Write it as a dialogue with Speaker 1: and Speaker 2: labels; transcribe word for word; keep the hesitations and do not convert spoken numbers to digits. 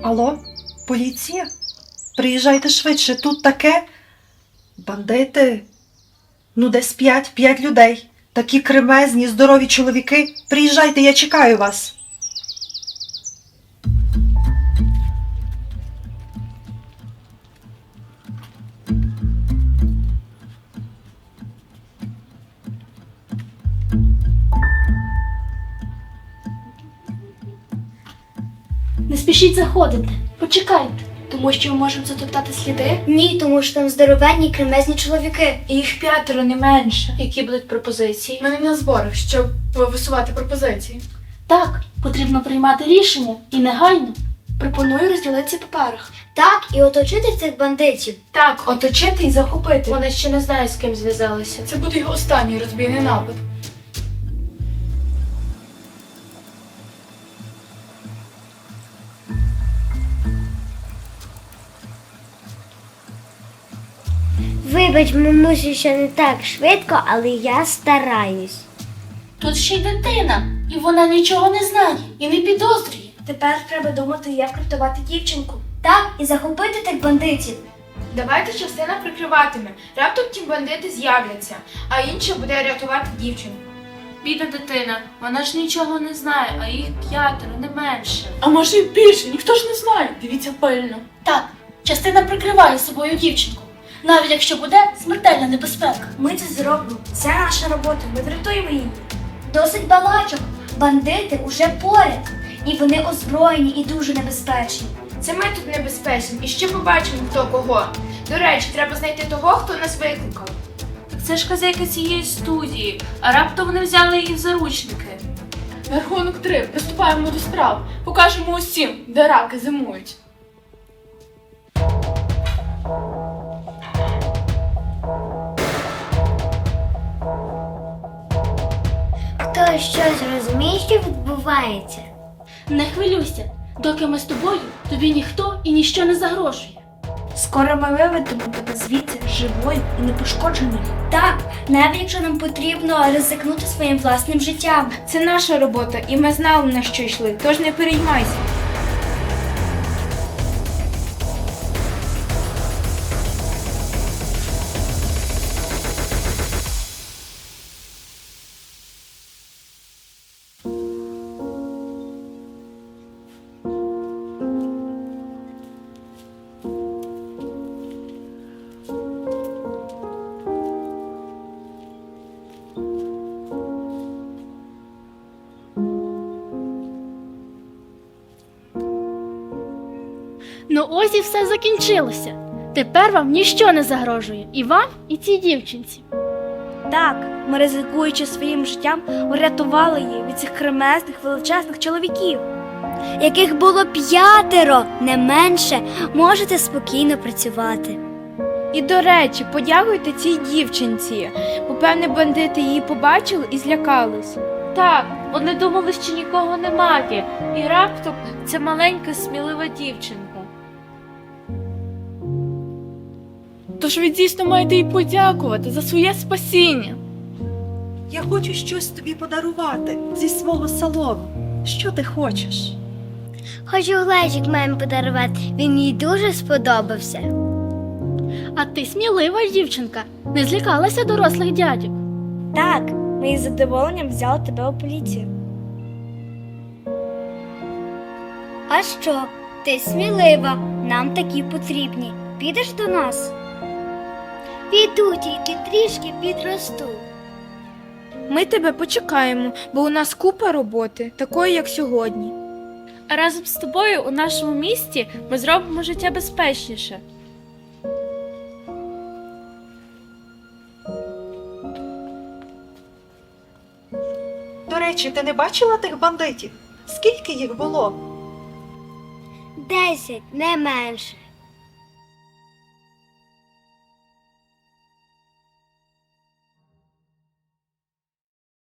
Speaker 1: Алло, поліція? Приїжджайте швидше, тут таке. Бандити. Ну, десь п'ять, п'ять людей. Такі кремезні, здорові чоловіки. Приїжджайте, я чекаю вас.
Speaker 2: Не спішіть заходити, почекайте.
Speaker 3: Тому що ми можемо затоптати сліди?
Speaker 4: Ні, тому що там здоровенні кремезні чоловіки.
Speaker 3: І їх п'ятеро, не менше. Які будуть пропозиції? Ми не на зборах, щоб висувати пропозиції.
Speaker 2: Так, потрібно приймати рішення і негайно.
Speaker 3: Пропоную розділитися по парах.
Speaker 4: Так, і оточити цих бандитів.
Speaker 3: Так, оточити і захопити. Вони ще не знають, з ким зв'язалися. Це буде його останній розбійний напад.
Speaker 4: Вибач, мамусю, що не так швидко, але я стараюсь.
Speaker 2: Тут ще й дитина, і вона нічого не знає і не підозрює.
Speaker 3: Тепер треба думати, як врятувати дівчинку.
Speaker 4: Так, і захопити тих бандитів.
Speaker 3: Давайте частина прикриватиме. Раптом ті бандити з'являться, а інша буде рятувати дівчинку.
Speaker 2: Бідна дитина, вона ж нічого не знає, а їх п'ятеро, не менше.
Speaker 3: А може й більше, ніхто ж не знає. Дивіться пильно.
Speaker 2: Так, частина прикриває собою дівчинку, навіть якщо буде смертельна небезпека.
Speaker 4: Ми це зробимо. Це наша робота, ми врятуємо її. Досить балачок. Бандити уже поряд. І вони озброєні і дуже небезпечні.
Speaker 3: Це ми тут небезпечні і ще побачимо, хто кого. До речі, треба знайти того, хто нас викликав.
Speaker 2: Так це ж хазяйка цієї студії, а раптом вони взяли її в заручники.
Speaker 3: На рахунок три. Приступаємо до справ. Покажемо усім, де раки зимують.
Speaker 4: Хтось щось розуміє, що відбувається?
Speaker 2: Не хвилюйся, доки ми з тобою, тобі ніхто і ніщо не загрожує.
Speaker 3: Скоро ми виведемо тебе звідси живою і непошкодженою.
Speaker 4: Так, навіть якщо нам потрібно ризикнути своїм власним життям.
Speaker 3: Це наша робота, і ми знали, на що йшли, тож не переймайся.
Speaker 2: Ну ось і все закінчилося. Тепер вам ніщо не загрожує. І вам, і цій дівчинці.
Speaker 5: Так, ми, ризикуючи своїм життям, врятували її від цих кремезних величезних чоловіків.
Speaker 4: Яких було п'ятеро, не менше, можете спокійно працювати.
Speaker 5: І, до речі, подякуйте цій дівчинці, бо, певне, бандити її побачили і злякались.
Speaker 2: Так, вони думали, що нікого немає. І раптом це маленька смілива дівчинка.
Speaker 5: Тож ви дійсно маєте їй подякувати за своє спасіння.
Speaker 1: Я хочу щось тобі подарувати зі свого салону. Що ти хочеш?
Speaker 4: Хочу глечик мамі подарувати, він їй дуже сподобався.
Speaker 2: А ти смілива дівчинка, не злякалася дорослих дядьок.
Speaker 5: Так, ми із задоволенням взяли тебе у поліцію.
Speaker 4: А що? Ти смілива, нам такі потрібні. Підеш до нас? Піду, тільки трішки підросту.
Speaker 5: Ми тебе почекаємо, бо у нас купа роботи, такої, як сьогодні.
Speaker 2: А разом з тобою у нашому місті ми зробимо життя безпечніше.
Speaker 1: До речі, ти не бачила тих бандитів? Скільки їх було?
Speaker 4: Десять, не менше.